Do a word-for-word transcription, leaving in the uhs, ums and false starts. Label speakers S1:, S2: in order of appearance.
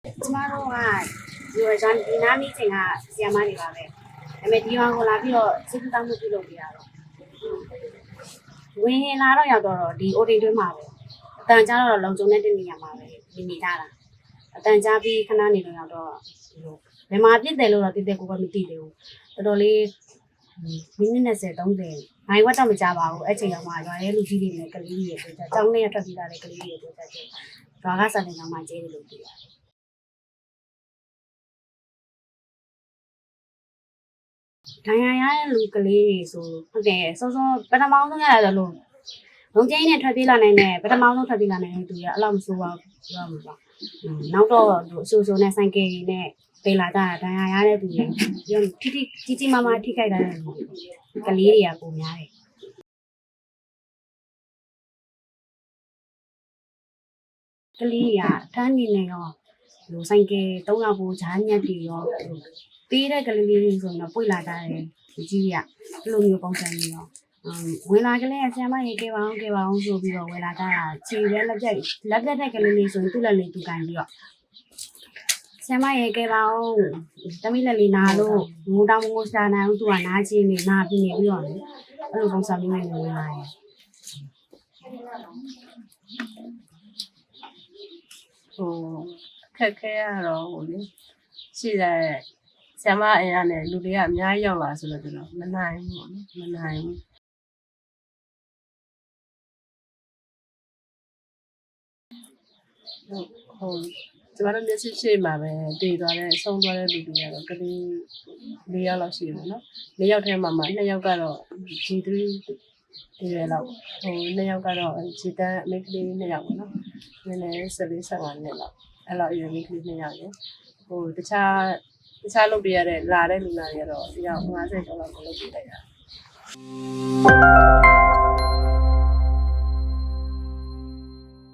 S1: ကျမတို့ကဒီရန်ဒီနာမီချင်းကဆီယမတွေပါပဲဒါပေမဲ့ဒီကောင်ကိုလာပြီးတော့စိတ်ကူးတောင်းမှုပြုလုပ်ပြရတော့ဝင်လာတော့ရောက်တော့ဒီ အို တီ တွင်းမှာပဲအတန်ကြားတော့လုံခြုံတဲ့နေရာမှာပဲနေနေကြတာအတန်ကြားပြီးခဏနေတော့ရောက်တော့ဘယ်မှာပြစ်တယ်လို့တော့တိတိကိုကမသိသေးဘူးတော်တော်လေးမိနစ်၂၀ ၃၀နိုင်ဝတ်တော့မကြပါဘူးအဲ့ချိန်ရောက်မှရွာရဲလူကြီးတွေနဲ့ကလေးတွေပြောကြအကြောင်းနဲ့ထွက်ပြီးလာတဲ့ကလေးတွေပြောကြတယ်ရွာကစတဲ့ကောင်မှကျဲတယ်လို့ပြောတယ်ဒဏ်ရာရတဲ့လူကလေးတွေဆိုဟုတ်တယ်စောစောပထမဆုံးရတယ်လို့လုံကျင်းနဲ့ထွက်ပြေးလာနိုင်တယ်ပထမဆုံးထွက်ပြေးလာနိုင်တဲ့သူကအဲ့လောက်မဆိုးပါဘူးပြောမှာပါနောက်တော့သူအဆူဆူနဲ့ဆိုင်ကယ်ကြီးနဲ့ပေးလာကြတာဒဏ်ရာရတဲ့သူတွေပြောထိထိကြီးကြီးမားမားထိခိုက်တာတဲ့ကလေးတွေကပုံများတယ်ကလေးကထမ်းနေနေရောလူဆိုင်ကယ်သုံးယောက်ကိုဂျားညက်တီရောပေးတဲ့ကလေးလေးတွေဆိုရင်တော့ပွေလာကြတယ်ဒီကြီးကအဲ့လိုမျိုးပုံစံမျိုးရောဝင်လာကလေးဆရာမရေခဲ့ပါအောင်ခဲ့ပါအောင်ဆိုပြီးတော့ဝင်လာကြတာခြေရဲလက်ပြက်လက်ပြက်တဲ့ကလေးလေးဆိုရင်သူ့လက်လေးသူကန်ပြီးတော့ဆရာမရေခဲ့ပါအောင်တမိလက်လေးနာလို့ငိုတောင်ငိုရှာနိုင်အောင်သူကနားချင်းနေနားပြီးနေပြီးတော့အဲ့လိုပုံစံမျိုးနဲ့ဝင်လာတယ်
S2: ဟိုခက်ခဲရတော့ဟိုလေရှိတဲ့ဆရာမအင်အားနဲ့လူတွေကအများကြီးရောက်လာဆိုတော့ကျွန်တော်မနိုင်ဘူးပေါ့နော်မနိုင်ဘူးဟိုကျမတို့မျက်စိရှိမှာပဲတည်သွားတဲ့ဆုံးသွားတဲ့လူတွေကတော့ကလေး၄ယောက်လောက်ရှိတယ်နော်၄ယောက်ထဲမှာမှ၂ယောက်ကတော့ ဂျီ သရီ ဒီရလောက်ဟို၂ယောက်ကတော့ဂျီတန်မိန်းကလေး၂ယောက်ပေါ့နော်နည်းနည်း၁၄ ၁၅နှစ်လောက်အဲ့လောက်အရွယ်မိန်းကလေး၂ယောက်ရယ်ဟိုတခြားတခြားလုပ်ပြရတဲ့လာတဲ့လူနာတွေကတော့ဒီရောက်၅၀ကျော်လောက်လုပ်ပြလိုက်တာ